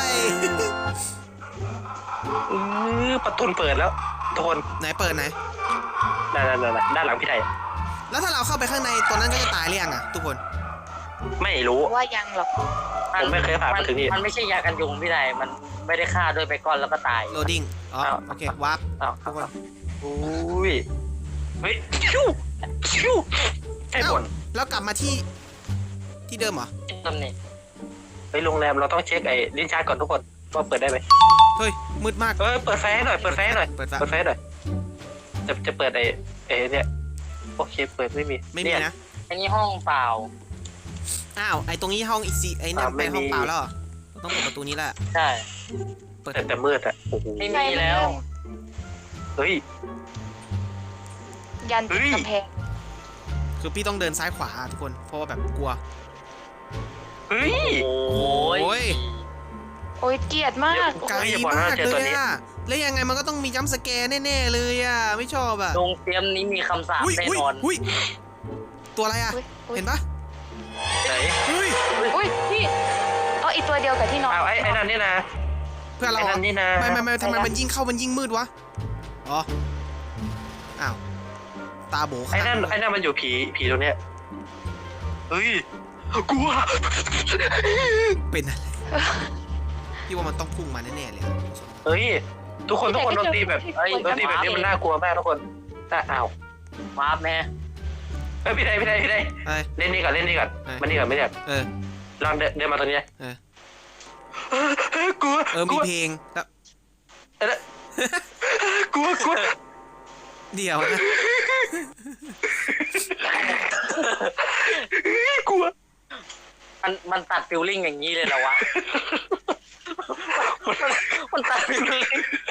[SPEAKER 4] เออประตูเปิดแล้วทุกคน
[SPEAKER 1] ไหนเปิดไหน
[SPEAKER 4] ด้านด้านด้านหลังพี่ไทย
[SPEAKER 1] แล้วถ้าเราเข้าไปข้างในตัวนั้นก็จะตายหรือยังอะทุกคน
[SPEAKER 4] ไม่รู้
[SPEAKER 3] ว่ายังหรอก
[SPEAKER 4] ผมไม่เคยผ่านมาถึงนี่
[SPEAKER 2] มันไม่ใช่ยากันยุงพี่ใดมันไม่ได้ฆ่าโดยไปก่อนแล้วก็ตาย
[SPEAKER 1] โหลดดิ้งอ๋อ
[SPEAKER 4] อ้าว
[SPEAKER 1] โอเควาร์ป
[SPEAKER 4] อ้าว
[SPEAKER 1] ทุกคน
[SPEAKER 4] อุ้ยเฮ้ยชิวชิวไอ้บน
[SPEAKER 1] แล้วกลับมาที่ที่เดิมเหรอ
[SPEAKER 2] ตำหนิ
[SPEAKER 4] ไปโรงแรมเราต้องเช็คไอ้ลิ้นชักก่อนทุกคนว่าเปิดได้ไหม
[SPEAKER 1] เฮ้ยมืดมาก
[SPEAKER 4] เออเปิดไฟให้หน่อยเปิดไฟให้หน่อย
[SPEAKER 1] เปิดไฟ
[SPEAKER 4] เปิดไฟให้หน่อยจะจะเปิดไอ้ไอ้เนี่ยโอเคเปิดไม่มี
[SPEAKER 1] ไม่มี
[SPEAKER 4] เย
[SPEAKER 1] นะ
[SPEAKER 2] อันนี้ห้องเปล่า
[SPEAKER 1] อ้าวไอตรงนี้ห้องอีกซีไอเนี่ย
[SPEAKER 4] อ่าไม่
[SPEAKER 1] เป็นห้อง
[SPEAKER 4] มี
[SPEAKER 1] เปล่าแล้วเหรอต้องเปิดประตูนี้แหละ
[SPEAKER 2] ใช่
[SPEAKER 1] เปิด
[SPEAKER 4] แต่แต่มืดอะโอ้โห
[SPEAKER 2] ไม่มีแล้ว
[SPEAKER 4] เฮ้ย
[SPEAKER 3] ยันติด
[SPEAKER 4] เฮ้ย
[SPEAKER 3] กำแพง
[SPEAKER 1] คือพี่ต้องเดินซ้ายขวาทุกคนเพราะว่าแบบกลัว
[SPEAKER 4] เฮ้ย
[SPEAKER 2] โอ้
[SPEAKER 1] โอ้
[SPEAKER 2] ย
[SPEAKER 1] ย
[SPEAKER 3] โอ้ยเกลียดมาก
[SPEAKER 1] ไกล
[SPEAKER 4] อย่าบอกนะ
[SPEAKER 1] มาก
[SPEAKER 4] เจอ
[SPEAKER 1] เล
[SPEAKER 4] ตัวย นี้
[SPEAKER 1] อะแล้วยังไงมันก็ต้องมีจัมป์สแกร์แน่ๆเลยอะไม่ชอบอะ
[SPEAKER 2] โรงเตรียมนี้มีคำสาป
[SPEAKER 1] อุ้ย
[SPEAKER 2] แน่
[SPEAKER 1] อุ้ย
[SPEAKER 2] นอน
[SPEAKER 1] อุ้ยตัวอะไรอะ
[SPEAKER 3] อุ๊ยอุ๊ย
[SPEAKER 1] เห็นปะ
[SPEAKER 4] ไหน
[SPEAKER 1] เฮ้ย
[SPEAKER 3] อุ้ยพี่เอาอีกตัวเดียวกับที่นอน
[SPEAKER 4] อ้าวไอ้ไอ้นั่นนี่นะ
[SPEAKER 1] เพื่อนเรา
[SPEAKER 4] ไอ้
[SPEAKER 1] เหร
[SPEAKER 4] นั่
[SPEAKER 1] อน
[SPEAKER 4] นี่นะ
[SPEAKER 1] ไม่ไม่ไม่ทำไมมันยิ่งเข้ามันยิ่งมืดวะอ๋ออ้าวตาโบ
[SPEAKER 4] ไอ้นั่น
[SPEAKER 1] ข้าง
[SPEAKER 4] ไอ้นั่นมันอยู่ผีผีตรงเนี้ยเฮ้ยกลัว
[SPEAKER 1] เป็นอะไรพี่ว่ามันต้องพุ่งมาแน่ๆเลยอะ
[SPEAKER 4] เฮ้ยทุกคนทุกคนดนตรีแบบ
[SPEAKER 2] เฮ้ย
[SPEAKER 4] ดนตรีแบบนี้มันน่ากลัวมากทุกคนแต่อ้าว
[SPEAKER 2] วาร์ปแม่
[SPEAKER 4] เฮ้ยพี่ไดพี่ไดพี่ได
[SPEAKER 1] เอ้ย
[SPEAKER 4] เล่นนี่ก่อนเล่นนี่ก่อน
[SPEAKER 1] เอ้ย
[SPEAKER 4] มันนี่ก่อนไม่ได้
[SPEAKER 1] เออ
[SPEAKER 4] ลองเดินเดินมาตรงนี้
[SPEAKER 1] เออ
[SPEAKER 4] เฮ้ยกลัว
[SPEAKER 1] เออก มี
[SPEAKER 4] ลัว
[SPEAKER 1] เพลงแล้ว
[SPEAKER 4] เออก ลัวกลัว
[SPEAKER 1] เดี๋ยวนะ
[SPEAKER 4] กลัว
[SPEAKER 2] มันมันตัดฟิลลิ่งอย่างนี้เลยเหรอวะ มันมันตัดฟิลลิ่ง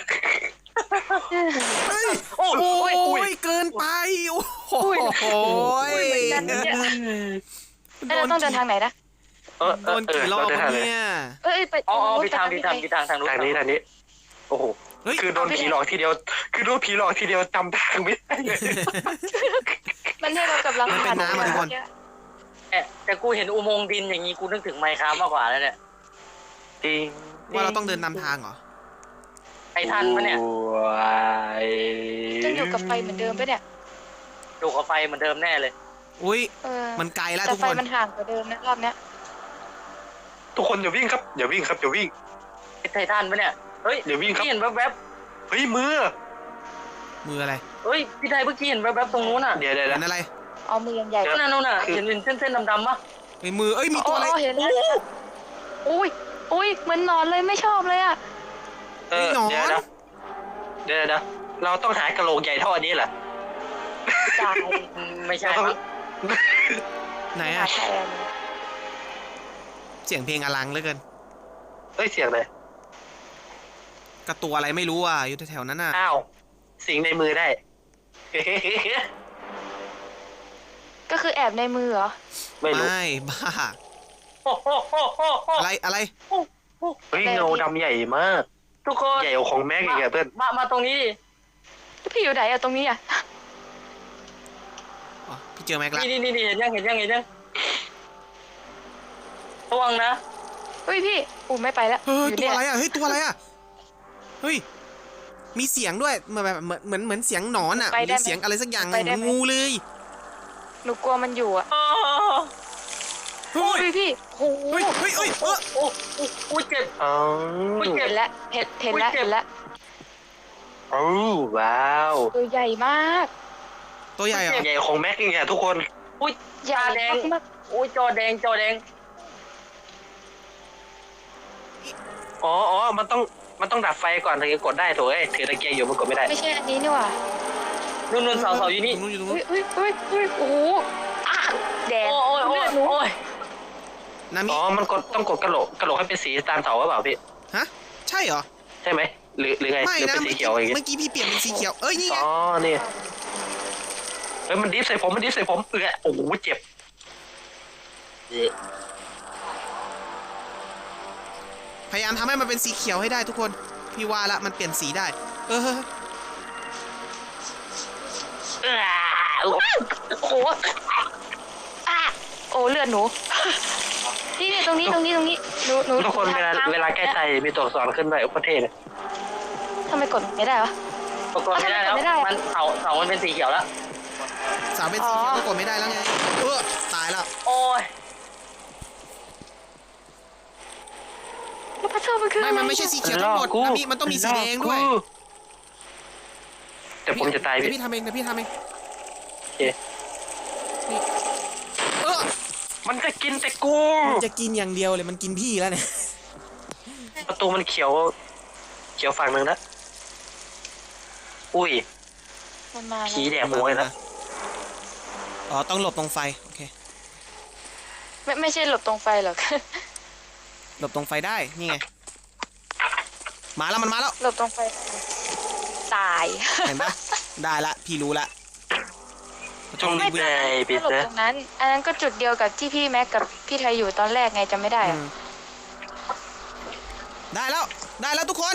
[SPEAKER 1] เฮ้ย
[SPEAKER 2] โอ้
[SPEAKER 1] โอ้
[SPEAKER 2] ย
[SPEAKER 1] ยเกินไปโอ้โห
[SPEAKER 3] อุ้ยเหมือนกันนะเนี่ยเอ้ยเราต้องเดินทางไหนนะ
[SPEAKER 4] เออเอ
[SPEAKER 1] โด
[SPEAKER 4] อน เออ
[SPEAKER 1] กี่รอบ
[SPEAKER 4] เราเดินทางไหน
[SPEAKER 1] เนี่ย
[SPEAKER 3] เอ้ยไป
[SPEAKER 2] อ๋ออ๋อ
[SPEAKER 3] นู้น
[SPEAKER 2] ไปทาง
[SPEAKER 3] ไป
[SPEAKER 2] ไปทางไปทางทางนู้น
[SPEAKER 4] ทางนี้ทางนี้โอ้โห
[SPEAKER 1] เฮ้ย
[SPEAKER 4] คือโดนผีหลอกทีเดียว คือโดนผีหลอกทีเดียวจำทางไม่ได้เลย
[SPEAKER 3] มันให้เรากำลัง
[SPEAKER 1] มันเป็นน้ำอะทุกคน
[SPEAKER 2] แต่แต่กูเห็นอุโมงค์ดินอย่างนี้กูนึกถึงไมค์คราฟมากกว่าแล้วเนี่ย
[SPEAKER 4] จริง
[SPEAKER 1] ว่าเราต้องเดินนำทางเหรอ
[SPEAKER 2] ไอ้ทันปะเนี่ย
[SPEAKER 4] ว้าย
[SPEAKER 3] จะอยู่กับไฟเหมือนเดิมปะเนี่ย
[SPEAKER 2] ดูกับไฟเหมือนเดิมแน่เลย
[SPEAKER 1] อุ้ย
[SPEAKER 3] เออ
[SPEAKER 1] มันไกลแล้ว
[SPEAKER 3] แต่
[SPEAKER 1] ทุก
[SPEAKER 3] ไฟ
[SPEAKER 1] คน
[SPEAKER 3] มันห่างกว่าเดิมนะรอบเนี้ย
[SPEAKER 4] ทุกคนอย่าวิ่งครับอย่าวิ่งครับอย่าวิ่ง
[SPEAKER 2] ไอ้ไททันปะเนี่ยเฮ้ย
[SPEAKER 4] เดี๋ยววิ่งครับ
[SPEAKER 2] พี่เห็นแวบ
[SPEAKER 4] เฮ้ยมือ
[SPEAKER 1] มืออะไร
[SPEAKER 2] ๆเฮ้ยพี่ไทยเมื่อกี้เห็นแวบๆตรงนู้นอ่ะ
[SPEAKER 4] เดี๋ยวเดี๋ยว
[SPEAKER 1] เห็
[SPEAKER 4] เดี๋ยวน
[SPEAKER 1] อะไร
[SPEAKER 3] เอามือใหญ่
[SPEAKER 2] นั่นน่ะนู่นน่ะเห็นเป็นเส้นๆดำๆปะ
[SPEAKER 1] เฮ้ยมือเอ้ยมี
[SPEAKER 3] โอ้
[SPEAKER 1] ตัวอะไร
[SPEAKER 3] โอ้เห็นแล้วอุ้ยอุ้ยเหมือนนอนเลยไม่ชอบเลยอ่ะ
[SPEAKER 4] เออ
[SPEAKER 1] มีหนอน
[SPEAKER 4] เดี๋ยวนะเดี๋ยวเดี๋ยวเราต้องหากระโหลกใหญ่เท่าอันนี้เหรอ
[SPEAKER 3] จ่าย
[SPEAKER 2] อืมไม่ใช่
[SPEAKER 4] เราต้อง
[SPEAKER 2] มั้ง
[SPEAKER 1] ไหน
[SPEAKER 3] หา
[SPEAKER 1] อะ
[SPEAKER 3] แทน
[SPEAKER 1] เสียงเพลงอลังเหลือเกิน
[SPEAKER 4] เฮ้ยเสียงเลย
[SPEAKER 1] กระตัวอะไรไม่รู้อ่ะอยู่แถวๆนั้นน่ะ
[SPEAKER 4] อ้าวสิงในมือได้
[SPEAKER 3] ก็คือแอบในมือเหรอ
[SPEAKER 4] ไม่รู้
[SPEAKER 1] ไม่บ้า
[SPEAKER 2] โอ้โหโอ้โหโอ้
[SPEAKER 1] อะไรอะไร
[SPEAKER 2] โอ้โห
[SPEAKER 4] เฮ้ยเงาดำใหญ่มาก
[SPEAKER 2] ทุกคน
[SPEAKER 4] ใหญ่กว่าของแม็กอีกอะเพื่อน
[SPEAKER 2] มามาตรงนี้ดิ
[SPEAKER 3] แล้วพี่อยู่ไหนอะตรงนี้อะ
[SPEAKER 1] อ๋อพี่เจอแม็กละ
[SPEAKER 2] นี่นี่นี่เห็นยังเห็นยังเห็นยังระวังนะ
[SPEAKER 3] เฮ้ยพี่อู้ไม่ไปแล้ว
[SPEAKER 1] เฮ้ย
[SPEAKER 3] อยู่
[SPEAKER 1] ตัว
[SPEAKER 3] เนี่ย
[SPEAKER 1] อะไรอ่ะเฮ้ยตัวอะไรอ่ะเฮ้ยมีเสียงด้วยเหมือนแบบเหมือนเหมือนเหมือนเสียงหนอนอ่ะหรือเสียงอะไรสักอย่างเหมือนงูเลย
[SPEAKER 3] หนูกลัวมันอยู่อะ
[SPEAKER 2] อ้าว
[SPEAKER 1] เฮ้ย
[SPEAKER 3] เฮ้ยพี่โอ้โห
[SPEAKER 1] เฮ้ยเฮ้ยเฮ้ยเออ
[SPEAKER 2] โอ้โอ้โอ้เจ็บ
[SPEAKER 4] อ๋อ
[SPEAKER 2] อุ๊ยเจ็
[SPEAKER 3] เห็
[SPEAKER 2] บ
[SPEAKER 3] นแล้วเห็นเห็นแล้ว
[SPEAKER 2] อุ๊ยเจ็บ
[SPEAKER 3] เห็นแล้ว
[SPEAKER 4] โอ้ว้าว
[SPEAKER 3] ตัวใหญ่มาก
[SPEAKER 1] ตัวใหญ่เหรอ
[SPEAKER 4] ใหญ่กว่าของแม็กอีกอะทุกคน
[SPEAKER 2] อุ้ย
[SPEAKER 3] ใหญ่
[SPEAKER 2] ตาแดง
[SPEAKER 3] มาก
[SPEAKER 2] อุ้ยจอแดงจอแดง
[SPEAKER 4] อ๋ออ๋อมันต้องมันต้องดับไฟก่อนถึงจะกดได้ถูกไหมถือตะเกียงอยู่มันกดไม่ได้
[SPEAKER 3] ๆไม่ใช่อันนี้นี่หว่า
[SPEAKER 2] นุ่นนุ่นเสาเสาอยู่นี่
[SPEAKER 1] ตรงนู้นอยู่ตรงนู้
[SPEAKER 3] เฮ้
[SPEAKER 1] น
[SPEAKER 3] ยเฮ้ยเฮ้ยเฮ้ยโอ้โหอ่ะแดง
[SPEAKER 2] โอ้ยโอ้ย
[SPEAKER 3] เลือดหนู
[SPEAKER 2] โอ้ย
[SPEAKER 1] นามิ
[SPEAKER 4] อ๋อมันกดต้องกดกระโหลกกระโหลกให้เป็นสีตามเสาหรือเปล่าพี่
[SPEAKER 1] ฮะใช่เหรอ
[SPEAKER 4] ใช่ไหมหรือหรือไง
[SPEAKER 1] ไม่
[SPEAKER 4] หรือ
[SPEAKER 1] นะ
[SPEAKER 4] เป็นสี
[SPEAKER 1] เมื่อ
[SPEAKER 4] เขี
[SPEAKER 1] กี้
[SPEAKER 4] ยวอย่างเงี้ย
[SPEAKER 1] เมื่อกี้พี่เปลี่ยนเป็นสีเขียวเอ้ยนี่ไง
[SPEAKER 4] อ๋อนี่เฮ้ยมันดิฟใส่ผมมันดิฟใส่ผมเออโอ้โหเจ็บ
[SPEAKER 1] พยายามทำให้มันเป็นสีเขียวให้ได้ทุกคนพี่ว่าละมันเปลี่ยนสีได้เออ
[SPEAKER 3] โอ้โหอ่ะโอ้เลือดหนู นี่นี่ตรงนี้ตรงนี้ตรงนี้หนูหนู
[SPEAKER 4] ทุกคนเวลาเวลาแก้ใจมีตัวอักษรขึ้นด้วยอุปเทศ
[SPEAKER 3] ทำไมกดไม่ได้วะ
[SPEAKER 2] ปรากฏไม่ได้แล้ว
[SPEAKER 3] ไม่ได้
[SPEAKER 2] มันเสาเสามันเป็นสีเขียวแล้ว
[SPEAKER 1] สาวเป็นสีเขียวก็กดไม่ได้แล้วไงเออตายแล้ว
[SPEAKER 2] โอ้ย
[SPEAKER 3] พระเจ้ามันคือ
[SPEAKER 1] ไม่มันไม่ใช่สีเขียวทั้งหมดนะพี่มันต้องมีสีแดงด้วย
[SPEAKER 4] แต่ผมจะตาย
[SPEAKER 1] เดี๋ยว
[SPEAKER 4] พี่
[SPEAKER 1] พี่ทำเองเดี๋ยวพี่ทำเอง
[SPEAKER 4] โอเค
[SPEAKER 1] นี่เออ
[SPEAKER 4] มันจะกินแต่กู
[SPEAKER 1] มันจะกินอย่างเดียวเลยมันกินพี่แล้วเนี่ย
[SPEAKER 4] ประตูมันเขียว เขียวฝั่งหนึ่งนะอุ้ย
[SPEAKER 3] มันมา
[SPEAKER 4] ผี
[SPEAKER 3] แล้ว
[SPEAKER 4] แดกหัวเลยนะ
[SPEAKER 1] อ๋อต้องหลบตรงไฟโอเค
[SPEAKER 3] ไม่ไม่ใช่หลบตรงไฟหรอก
[SPEAKER 1] หลบตรงไฟได้นี่ไงมาแล้วมันมาแล้ว
[SPEAKER 3] หลบตรงไฟตาย
[SPEAKER 1] เห็นปะได้ละพี่รู้ละ
[SPEAKER 4] จงรีบเลยปิด
[SPEAKER 3] หลบ
[SPEAKER 4] นะ
[SPEAKER 3] ตรงนั้น อันนั้นก็จุดเดียวกับที่พี่แม็กกับพี่ไทยอยู่ตอนแรกไงจำไม่ได้
[SPEAKER 1] อื
[SPEAKER 3] อะ
[SPEAKER 1] มได้แล้วได้แล้วทุกคน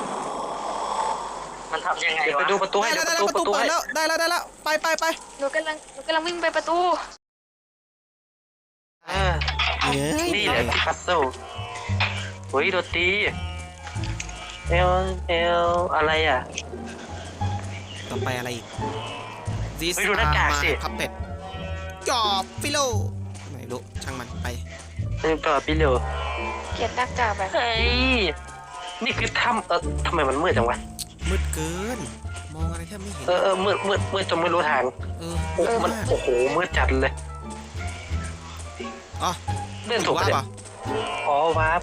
[SPEAKER 2] มันทำยังไง
[SPEAKER 4] เดี๋ยว
[SPEAKER 2] วะ
[SPEAKER 4] ไปดูประตูให้
[SPEAKER 1] ได้
[SPEAKER 4] เดี๋ยว
[SPEAKER 1] แล้ว
[SPEAKER 4] ประตู
[SPEAKER 1] ได้
[SPEAKER 4] ป
[SPEAKER 1] แล้วประ
[SPEAKER 4] ระตู
[SPEAKER 1] ตูเปิ
[SPEAKER 4] ให้
[SPEAKER 1] ดแล้วได้แล้วได้แล้วไปไปไป
[SPEAKER 3] หนูกำลังหนูกำลังวิ่งไปประตู
[SPEAKER 4] อ่า
[SPEAKER 1] เอ้ย
[SPEAKER 4] นี่แหละพัซเซิลเฮ้ยโดนตีเอลเอลอะไรอ่ะ
[SPEAKER 1] ต่อไปอะไรอีก This
[SPEAKER 4] เฮ้ยดูหน้ากากสิ
[SPEAKER 1] พับเป็ดจอบฟิโลไม่รู้ช่างมันไป
[SPEAKER 4] นี่ต่อพี่เร็ว
[SPEAKER 3] เกลียดหน้ากากแบบ
[SPEAKER 4] เฮ้ยนี่คือถ้ำเออทำไมมันมืดจังวะ
[SPEAKER 1] มืดเกิน มองอะไรแทบไม่เห็น
[SPEAKER 4] เออเออมืดมืดมืดจนไม่รู้ทาง
[SPEAKER 1] เออ
[SPEAKER 4] โอ้มัน
[SPEAKER 1] มาก
[SPEAKER 4] โอ้โหมืดจัดเลย
[SPEAKER 1] อ๋อ
[SPEAKER 4] เล่นถูก
[SPEAKER 1] ว่า
[SPEAKER 4] ปะเนี่ย
[SPEAKER 1] เปล่า
[SPEAKER 4] อ๋อวาร์ป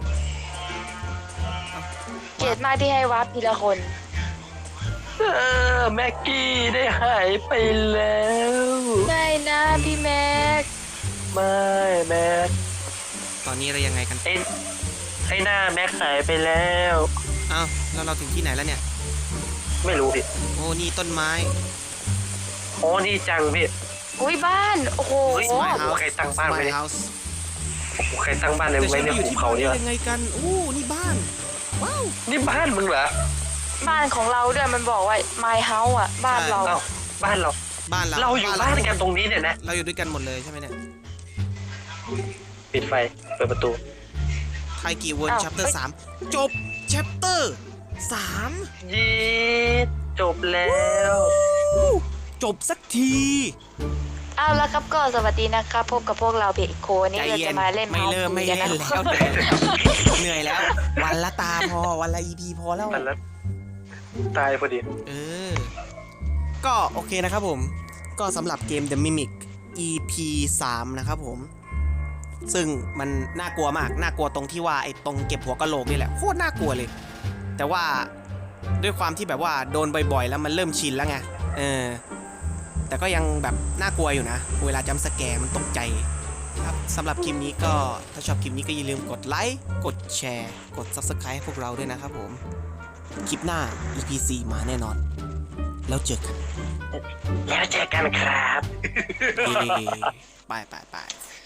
[SPEAKER 3] เกลียดมากที่ให้วาร์ปทีละคน
[SPEAKER 4] เออแม็กกี้ได้หายไปแล้ว
[SPEAKER 3] ไม่นะพี่แม็ก
[SPEAKER 4] ไม่แม็ก
[SPEAKER 1] ตอนนี้อะไรยังไงกัน
[SPEAKER 4] ไอ้ไอ้หน้าแม็กหายไปแล้ว
[SPEAKER 1] อ้าวแล้วเราถึงที่ไหนแล้วเนี่ย
[SPEAKER 4] ไม่รู้พี่
[SPEAKER 1] โอ้นี่ต้นไม้
[SPEAKER 4] อ๋อนี่จังพี่
[SPEAKER 3] อุ้ยบ้านโอ้โห
[SPEAKER 4] เฮ้ย
[SPEAKER 1] My
[SPEAKER 4] โอ้
[SPEAKER 1] house
[SPEAKER 4] ใครตั้งบ้านไว้
[SPEAKER 1] My
[SPEAKER 4] เนี่ย
[SPEAKER 1] house
[SPEAKER 4] โอ้โหใครตั้งบ้านใน
[SPEAKER 1] แต่
[SPEAKER 4] ไว้
[SPEAKER 1] ฉัน
[SPEAKER 4] ใน
[SPEAKER 1] ไปอยู่
[SPEAKER 4] ภู
[SPEAKER 1] ที่
[SPEAKER 4] เขา
[SPEAKER 1] บ้าน
[SPEAKER 4] เนี่ย
[SPEAKER 1] ได้ยังไงกันโอ้นี่บ้านว้าว
[SPEAKER 4] นี่บ้านมึงเหรอ
[SPEAKER 3] บ้านของเราด้วยมันบอกว่า my house อ่ะบ้านเรา
[SPEAKER 4] เอ้าบ้านเรา
[SPEAKER 1] บ้านเรา
[SPEAKER 4] เราอยู่บ้านกันตรงนี้เนี่ยนะ
[SPEAKER 1] เราอยู่ด้วยกันหมดเลยใช่ไหมเนี่ย
[SPEAKER 4] ปิดไฟเปิดประตู
[SPEAKER 1] ไทยกี่เวิร์ด chapter สามจบ chapter สาม
[SPEAKER 4] ยีดจบแล้ว
[SPEAKER 1] จบสักที
[SPEAKER 3] เอาละครับก็สวัสดีนะครับพบกับพวกเราเบกโคนี่
[SPEAKER 1] ใจ
[SPEAKER 3] เรา
[SPEAKER 1] เย็
[SPEAKER 3] จะ
[SPEAKER 1] น
[SPEAKER 3] มาเล่น
[SPEAKER 1] ไม่เริ่มไม่
[SPEAKER 3] กั
[SPEAKER 1] เล่น
[SPEAKER 3] นะ
[SPEAKER 1] แล้วเหนื่อยแล้ว วันละตาพอวันละ อี พี พอแล้ว
[SPEAKER 4] แต่ละตายพอดี
[SPEAKER 1] เออ ก็โอเคนะครับผม ก็สำหรับเกม The Mimic อี พี สามนะครับผม ซึ่งมันน่ากลัวมาก น่ากลัวตรงที่ว่าไอ้ตรงเก็บหัวกะโหลกนี่แหละโคตรน่ากลัวเลย แต่ว่าด้วยความที่แบบว่าโดนบ่อยๆ แล้วมันเริ่มชินแล้วไง เออ แต่ก็ยังแบบน่ากลัวอยู่นะ เวลาจัมป์สแกร์มันตกใจ ครับสำหรับคลิปนี้ก็ถ้าชอบคลิปนี้ก็อย่าลืมกดไลค์ กดแชร์ กด Subscribe ให้พวกเราด้วยนะครับผม คลิปหน้า อี พี สี่ มาแน่นอน แล้วเจอกัน
[SPEAKER 4] แล้วเจอกันครับ
[SPEAKER 1] เย้ไปไปไป